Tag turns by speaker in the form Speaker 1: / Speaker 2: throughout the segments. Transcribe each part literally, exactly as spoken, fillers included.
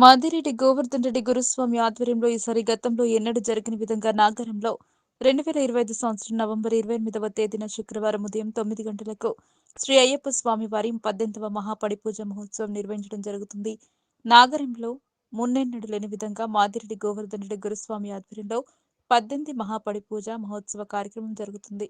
Speaker 1: మాదిరెడ్డి గోవర్ధన్ రెడ్డి గురుస్వామి ఆధ్వర్యంలో ఈసారి గతంలో ఎన్నడూ జరగని విధంగా నాగరంలో రెండు వేల ఇరవై ఐదు సంవత్సరం నవంబర్ ఇరవై ఎనిమిదవ తేదీన శుక్రవారం ఉదయం తొమ్మిది గంటలకు శ్రీ అయ్యప్ప స్వామి వారి పద్దెనిమిదవ మహాపడి పూజ మహోత్సవం నిర్వహించడం జరుగుతుంది. నాగరంలో మున్నెన్నడూ లేని విధంగా మాదిరెడ్డి గోవర్ధన్ రెడ్డి గురుస్వామి ఆధ్వర్యంలో పద్దెనిమిది మహాపడి పూజ మహోత్సవ కార్యక్రమం జరుగుతుంది.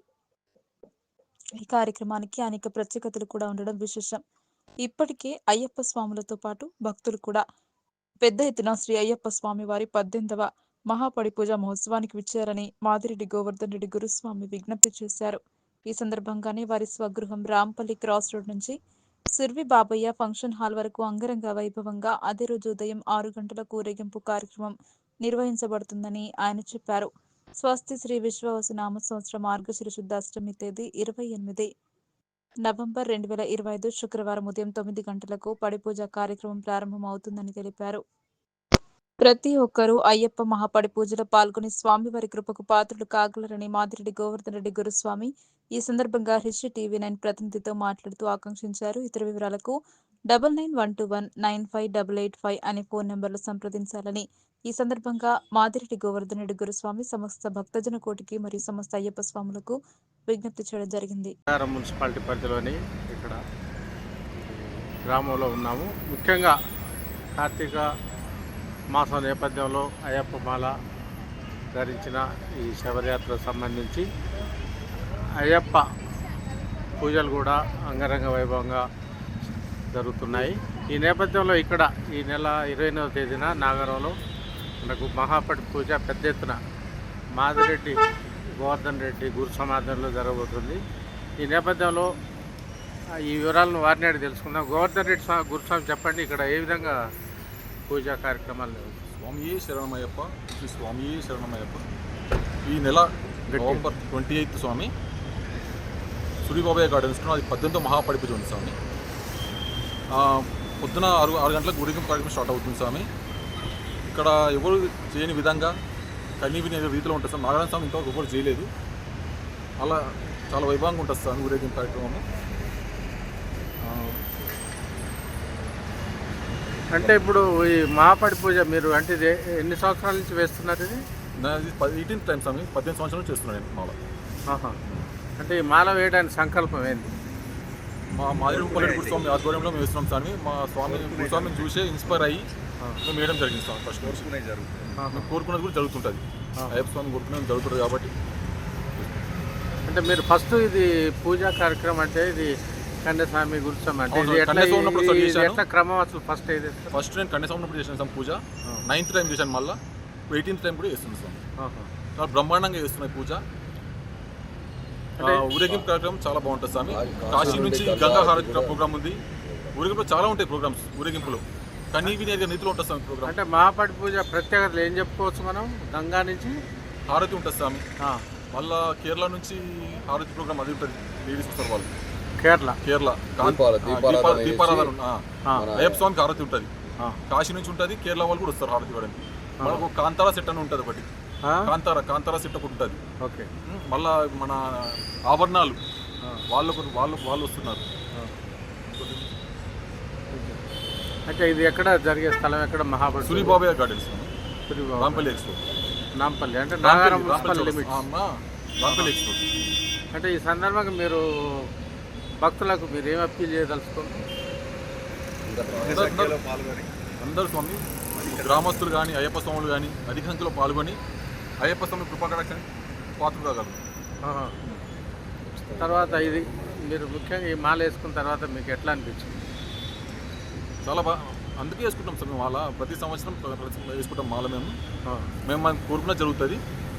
Speaker 1: ఈ కార్యక్రమానికి అనేక ప్రత్యేకతలు కూడా ఉండడం విశేషం. ఇప్పటికే అయ్యప్ప స్వాములతో పాటు భక్తులు కూడా పెద్ద ఎత్తున శ్రీ అయ్యప్ప స్వామి వారి పద్దెనిమిదవ మహాపడి పూజ మహోత్సవానికి విచ్చారని మాదిరెడ్డి గోవర్ధన్ రెడ్డి గురుస్వామి విజ్ఞప్తి చేశారు. ఈ సందర్భంగానే వారి స్వగృహం రాంపల్లి క్రాస్ రోడ్ నుంచి సుర్వి బాబయ్య ఫంక్షన్ హాల్ వరకు అంగరంగ వైభవంగా అదే రోజు ఉదయం ఆరు గంటల ఊరేగింపు కార్యక్రమం నిర్వహించబడుతుందని ఆయన చెప్పారు. స్వస్తి శ్రీ విశ్వవసు నామ సంవత్సరం మార్గశిర శుద్ధ అష్టమి తేదీ ఇరవై ఎనిమిది నవంబర్ రెండు వేల ఇరవై ఐదు శుక్రవారం ఉదయం తొమ్మిది గంటలకు పడిపూజ కార్యక్రమం ప్రారంభమవుతుందని తెలిపారు. ప్రతి ఒక్కరూ అయ్యప్ప మహాపడి పూజలో పాల్గొని స్వామివారి కృపకు పాత్రులు కాగలరని మాదిరెడ్డి గోవర్ధన్ రెడ్డి గురుస్వామి ఈ సందర్భంగా హిస్టరీ టీవీ నైన్ ప్రతినిధితో మాట్లాడుతూ ఆకాంక్షించారు. ఇతర వివరాలకు double nine one two one nine five double eight five అనే ఫోన్ నెంబర్లు సంప్రదించాలని ఈ సందర్భంగా మాదిరెడ్డి గోవర్ధన్ రెడ్డి గురుస్వామి సమస్త భక్తజన కోటికి మరియు సమస్త అయ్యప్ప స్వాములకు విజ్ఞప్తి చేయడం జరిగింది.
Speaker 2: మున్సిపాలిటీ పరిధిలోని ఇక్కడ గ్రామంలో ఉన్నాము. ముఖ్యంగా కార్తీక మాసం నేపథ్యంలో అయ్యప్ప మాల ధరించిన ఈ శబరియాత్రకు సంబంధించి అయ్యప్ప పూజలు కూడా అంగరంగ వైభవంగా జరుగుతున్నాయి. ఈ నేపథ్యంలో ఇక్కడ ఈ నెల ఇరవై ఎనిమిదవ తేదీన నాగరంలో మనకు మహాపడి పూజ పెద్ద ఎత్తున మాదిరెడ్డి గోవర్ధన్ రెడ్డి గురు సమాధానంలో జరగబోతుంది. ఈ నేపథ్యంలో ఈ వివరాలను వారిని అడిగి తెలుసుకుందాం. గోవర్ధన్ రెడ్డి స్వామి గురుస్వామి చెప్పండి, ఇక్కడ ఏ విధంగా పూజా కార్యక్రమాలు?
Speaker 3: స్వామి శరణమయ్యప్ప, శ్రీ స్వామి శరణమయ్యప్ప. ఈ నెల November twenty eighth Swami Suribabayya గార్డెన్స్లో అది పద్దెనిమిదో మహాపడి పూజ ఉంది స్వామి. పొద్దున ఆరు ఆరు గంటలకు ఊరేగింపు కార్యక్రమం స్టార్ట్ అవుతుంది స్వామి. ఇక్కడ ఎవరు చేయని విధంగా కన్నీ వినే రీతిలో ఉంటుంది సార్. నారాయణ స్వామి ఇంతవరకు ఎవరు చేయలేదు. అలా చాలా వైభవంగా ఉంటుంది సార్ ఊరేగింపు కార్యక్రమం.
Speaker 2: అంటే ఇప్పుడు ఈ మహాపడి పూజ మీరు అంటే ఇది ఎన్ని సంవత్సరాల నుంచి వేస్తున్నారు? ఇది
Speaker 3: ఇది ఎయిటీన్త్ టైం స్వామి, పద్దెనిమిది సంవత్సరాల నుంచి చేస్తున్నాను నేను మాల.
Speaker 2: అంటే ఈ మాల వేయడానికి సంకల్పం ఏంటి?
Speaker 3: మా మాదిరెడ్డి గురుస్వామి ఆధ్వర్యంలో మేము వేస్తున్నాం స్వామి. మా స్వామి గురుస్వామిని చూసే ఇన్స్పైర్ అయ్యి మేము వేయడం జరిగింది స్వామి. ఫస్ట్ మేము కోరుకున్నది కూడా జరుగుతుంటుంది. అయ్యప్ప స్వామి కోరుకునేది జరుగుతుంది కాబట్టి.
Speaker 2: అంటే మీరు ఫస్ట్ ఇది పూజా కార్యక్రమం అంటే ఇది కన్యస్వామి గురుస్వామి అంటే ఎట్లా క్రమం అసలు? ఫస్ట్ ఇది
Speaker 3: ఫస్ట్ నేను కన్యస్వామి ఉన్నప్పుడు చేసాను స్వామి పూజ. నైన్త్ టైం చేశాను, మళ్ళీ ఎయిటీన్త్ టైం కూడా చేస్తుంది స్వామి. చాలా బ్రహ్మాండంగా చేస్తున్నాయి పూజ. ఊరేగింపు కార్యక్రమం చాలా బాగుంటుంది స్వామి. కాశీ నుంచి గంగా హారతి ప్రోగ్రామ్ ఉంది. ఊరేగింపులో చాలా ఉంటాయి ప్రోగ్రామ్స్. ఊరేగింపులో కన్నీ వినేది నీతిలో ఉంటుంది స్వామి ప్రోగ్రామ్.
Speaker 2: అంటే మహాపడి పూజ ప్రత్యేకతలు ఏం చెప్పుకోవచ్చు మనం? గంగా నుంచి
Speaker 3: హారతి ఉంటుంది స్వామి. మళ్ళా కేరళ నుంచి హారతి ప్రోగ్రామ్ అది ఉంటుంది. లేడీస్ వస్తారు వాళ్ళు.
Speaker 2: కేరళ
Speaker 3: కేరళ దీపారాధన అయ్యప్ప స్వామికి హారతి ఉంటుంది. కాశీ నుంచి ఉంటుంది. కేరళ వాళ్ళు కూడా వస్తారు హారతి ఇవ్వడానికి. మనకు కాంతారా సెట్ అని ఉంటుంది ఒకటి. కాంతారా కాంతారా సెట్ ఒకటి ఉంటుంది.
Speaker 2: ఓకే.
Speaker 3: మళ్ళా మన ఆభరణాలు వాళ్ళకు వాళ్ళు వాళ్ళు వస్తున్నారు.
Speaker 2: అంటే ఇది ఎక్కడ జరిగే స్థలం? ఎక్కడ? మహాపడి
Speaker 3: సూరిబాబయ్య గార్డెన్స్, రాంపల్లి ఎక్స్పో.
Speaker 2: నాంపల్లి అంటే నాగారం లిమిట్స్.
Speaker 3: రాంపల్లి ఎక్స్పో.
Speaker 2: అంటే ఈ సందర్భంగా మీరు భక్తులకు మీరు ఏం అప్పీల్ చేయదలుచుకోండి?
Speaker 3: అందరూ స్వామి గ్రామస్తులు కానీ అయ్యప్ప స్వాములు కానీ అధిక సంఖ్యలో పాల్గొని అయ్యప్ప స్వామి కృపాకటాక్షానికి పాత్రలు కాగలరు.
Speaker 2: తర్వాత ఇది మీరు ముఖ్యంగా ఈ మాల వేసుకున్న తర్వాత మీకు ఎట్లా అనిపించింది?
Speaker 3: చాలా బాగా, అందుకే వేసుకుంటాం సార్ మేము మాల. ప్రతి సంవత్సరం వేసుకుంటాం మాల. మేము మేము మనం కోరుకున్న జరుగుతుంది.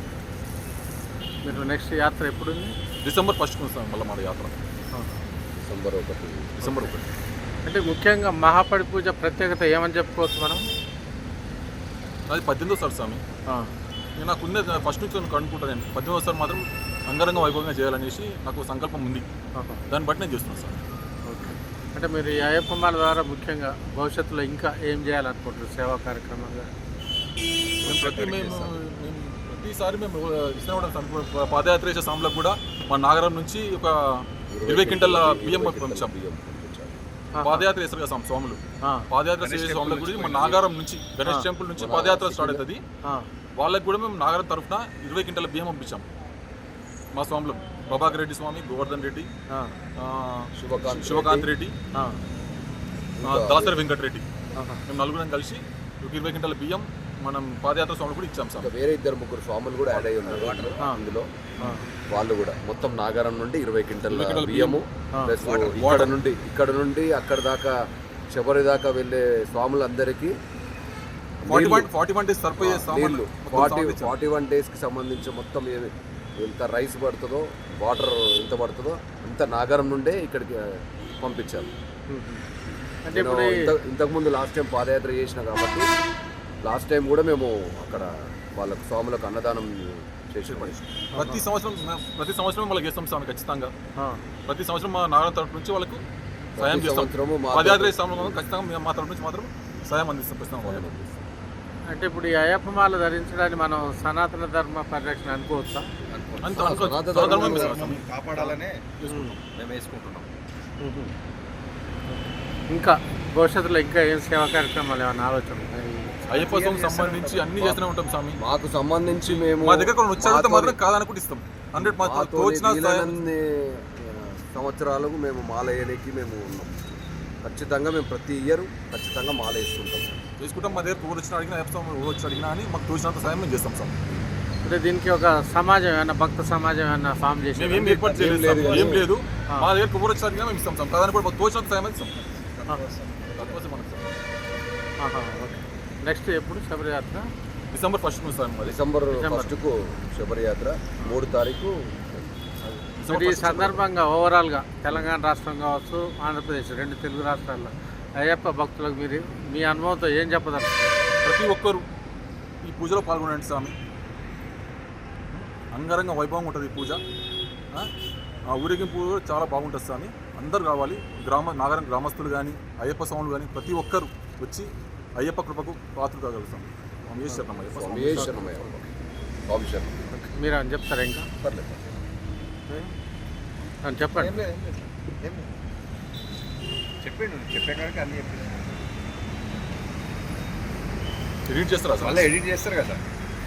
Speaker 2: మీరు నెక్స్ట్ యాత్ర ఎప్పుడు?
Speaker 3: డిసెంబర్ ఫస్ట్ వస్తాం మళ్ళీ మన యాత్ర. డిసెంబర్ ఒకటి డిసెంబర్ ఒకటి
Speaker 2: అంటే ముఖ్యంగా మహాపడి పూజ ప్రత్యేకత ఏమని చెప్పుకోవచ్చు మనం?
Speaker 3: అది పద్దెనిమిదో సార్ స్వామి. నేను నాకు ఉన్నది ఫస్ట్ నుంచి నేను కనుక్కుంటాను. నేను పద్దెనిమిదో సార్ మాత్రం అంగరంగ వైభవంగా చేయాలనేసి నాకు సంకల్పం ఉంది. దాన్ని బట్టి నేను చేస్తున్నాను సార్.
Speaker 2: ఓకే. అంటే మీరు ఈ అయ్యప్ప మాల ద్వారా ముఖ్యంగా భవిష్యత్తులో ఇంకా ఏం చేయాలనుకుంటారు సేవా కార్యక్రమంగా?
Speaker 3: మేము ప్రతి మేము మేము ప్రతిసారి మేము ఇస్తున్నాం. పాదయాత్ర చేసే సమయంలో కూడా మా నాగరం నుంచి ఒక ఇరవై క్వింటల్ బియ్యం పంపించాం. పాదయాత్ర చేస్తారు కదా స్వామి- స్వాములు
Speaker 2: ఆ,
Speaker 3: పాదయాత్ర చేసే స్వాముల గురించి మన నాగారం నుంచి గణేష్ టెంపుల్ నుంచి పాదయాత్ర స్టార్ట్ అవుతుంది.
Speaker 2: ఆ,
Speaker 3: వాళ్ళకి కూడా మేము నాగారం తరఫున ఇరవై క్వింటాల బియ్యం పంపించాం. మా స్వాములు ప్రభాకర్ రెడ్డి స్వామి, గోవర్ధన్ రెడ్డి,
Speaker 4: ఆ.
Speaker 3: ఆ,
Speaker 4: శివకాంత్
Speaker 3: శివకాంత్ రెడ్డి,
Speaker 2: ఆ,
Speaker 3: ఆ, దాసరి వెంకటరెడ్డి,
Speaker 2: ఆహా.
Speaker 3: మేము నలుగురం కలిసి ఒక ఇరవై క్వింటాల బియ్యం మనం పాదయాత్ర స్వాములు కూడా ఇచ్చాం సార్.
Speaker 4: ఇంకా వేరే ఇద్దరు ముగ్గురు స్వాములు కూడా యాడ్ అయ్యి ఉన్నారు
Speaker 2: ఆ.
Speaker 4: ఇందులో.
Speaker 2: ఆ,
Speaker 4: వాళ్ళు కూడా మొత్తం నాగారం నుండి ఇరవై క్వింటల్
Speaker 3: ఇరవై క్వింటాల
Speaker 4: బియ్యము
Speaker 2: ఆ.
Speaker 4: ప్లస్ ఇక్కడ నుండి ఇక్కడ నుండి అక్కడ దాకా శబరి దాకా వెళ్ళే స్వాములందరికీ
Speaker 3: forty one forty one days సరిపోయే
Speaker 4: నీళ్లు
Speaker 3: సామాన్లు
Speaker 4: ఫార్టీ ఫార్టీ వన్ డేస్కి సంబంధించి మొత్తం ఏమి ఎంత రైస్ పడుతుందో వాటర్ ఎంత పడుతుందో అంత నాగారం నుండే ఇక్కడికి పంపించారు.
Speaker 2: అంటే
Speaker 4: నేను
Speaker 2: ఇప్పుడు ఈ-
Speaker 4: ఇంత ఇంతకుముందు లాస్ట్ టైం పాదయాత్ర చేసిన కాబట్టి లాస్ట్ టైం కూడా మేము అక్కడ వాళ్ళకు స్వాములకు అన్నదానం చేసి
Speaker 3: ప్రతి సంవత్సరం మేము ప్రతి సంవత్సరం వాళ్ళకి చేస్తాం స్వామి ఖచ్చితంగా.
Speaker 2: ఆ,
Speaker 3: ప్రతి సంవత్సరం మా నాగారం తరఫు నుంచి వాళ్ళకు సాయం చేస్తాం.
Speaker 4: సంవత్సరము మా
Speaker 3: పాదయాత్ర చేస్తాం ఖచ్చితంగా మేము మా తరఫు నుంచి మాత్రం సాయం అందిస్తాం ప్రస్తుతం వాళ్ళకి.
Speaker 2: అంటే ఇప్పుడు ఈ అయ్యప్ప మాల ధరించడాన్ని మనం సనాతన ధర్మ పరిరక్షణ అనుకోవచ్చా?
Speaker 3: అంత అనుకో-
Speaker 4: సనాతన
Speaker 3: సనాతన
Speaker 4: ధర్మం
Speaker 3: ధర్మం మేము
Speaker 5: కాపాడాలనే
Speaker 3: చేసుకుంటాం.
Speaker 5: మేము వేసుకుంటున్నాం.
Speaker 2: ఇంకా భవిష్యత్తులో ఇంకా ఏం సేవా కార్యక్రమాలు ఏమైనా ఆలోచన ఉన్నాయి?
Speaker 3: అయ్యప్ప స్వామికి సంబంధించి అన్ని చేస్తూనే ఉంటాం స్వామి.
Speaker 4: మాకు సంబంధించి మేము
Speaker 3: మా దగ్గర కొన్ని వచ్చారంటే
Speaker 4: మాతోని-
Speaker 3: మాత్రం కాదనుకుంటే ఇస్తాం. హండ్రెడ్ మాత్రం
Speaker 4: మాతోని
Speaker 3: తోచిన సాయం
Speaker 4: వీలైనన్ని, ఆ, సంవత్సరాలకు మేము మాల వేయడానికి మేము ఉన్నాం. ఖచ్చితంగా మేము ప్రతి ఇయర్ ఖచ్చితంగా మాల వేసుకుంటాం.
Speaker 3: చేసుకుంటాం. మా దగ్గర ఊరు వచ్చిన అడిగినా అయ్యప్ప స్వామి ఊరు వచ్చి అడిగినా అని మాకు తోచినంత సాయం మేము చేస్తాం సార్.
Speaker 2: అంటే దీనికి ఒక సమాజం ఏమైనా భక్త సమాజం ఏమైనా ఫామ్ చేసి
Speaker 3: మేము ఏం ఏర్పాటు చేయలేదు
Speaker 4: లేదు
Speaker 3: సార్.
Speaker 4: కదా.
Speaker 3: ఏం లేదు. మా దగ్గర ఊరు వచ్చి అడిగినా మేము ఇస్తాం సార్. కాదని కూడా మాకు తోచినంత సాయం ఇస్తాం. తక్కువ మనకు సార్.
Speaker 2: ఓకే. నెక్స్ట్ ఎప్పుడు శబరియాత్ర?
Speaker 3: డిసెంబర్ ఫస్ట్ నుంచి సార్ మాది.
Speaker 4: December
Speaker 2: December.
Speaker 4: ఫస్ట్కు శబరియాత్ర, మూడు తారీఖు
Speaker 3: డిసెంబర్
Speaker 2: మరి ఈ
Speaker 3: ఫస్ట్
Speaker 2: సందర్భంగా ఓవరాల్గా తెలంగాణ రాష్ట్రం కావచ్చు, ఆంధ్రప్రదేశ్ రెండు తెలుగు రాష్ట్రాల్లో అయ్యప్ప భక్తులకు మీరు మీ అనుభవంతో ఏం చెప్పదలుచుకుంటారు?
Speaker 3: ప్రతి ఒక్కరు ఈ పూజలో పాల్గొనండి స్వామి. అంగరంగ వైభవంగా ఉంటుంది ఈ పూజ. ఆ? ఆ ఊరేగింపు కూడా చాలా బాగుంటుంది స్వామి. అందరూ రావాలి. గ్రామ నాగరం గ్రామస్తులు కానీ అయ్యప్ప స్వాములు కానీ ప్రతి ఒక్కరు వచ్చి అయ్యప్ప కృపకు పాత్ర కాగలుగుతాం. స్వామి శరణం అయ్యప్ప స్వామి.
Speaker 4: స్వామి శరణమయ్య. స్వామి శరణం.
Speaker 2: మీరు అని చెప్తారా ఇంకా?
Speaker 4: పర్లేదు.
Speaker 2: అని చెప్పండి.
Speaker 5: ఏం లేదు, ఏం లేదు, ఏం లేదు. చెప్పిండు చెప్పే కాడికి అన్ని చెప్పిండు.
Speaker 3: ఎడిట్ చేస్తారా
Speaker 5: మళ్ళీ
Speaker 3: సార్?
Speaker 5: ఎడిట్ చేస్తారు కదా.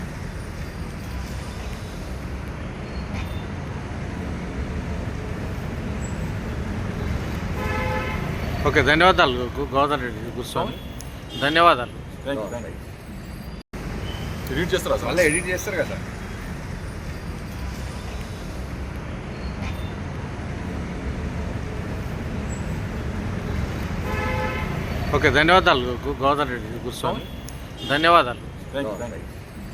Speaker 2: ఓకే, ధన్యవాదాలు గు- గోవర్ధన్ రెడ్డి గురుస్వామి, ధన్యవాదాలు.
Speaker 3: Thank you thank you. Edit చేస్తారా సార్?
Speaker 5: మళ్ళీ ఎడిట్ చేస్తారు కదా.
Speaker 2: ఓకే, ధన్యవాదాలు గు- గోవర్ధన్ రెడ్డి గురుస్వామి, ధన్యవాదాలు.
Speaker 3: Thank you thank you.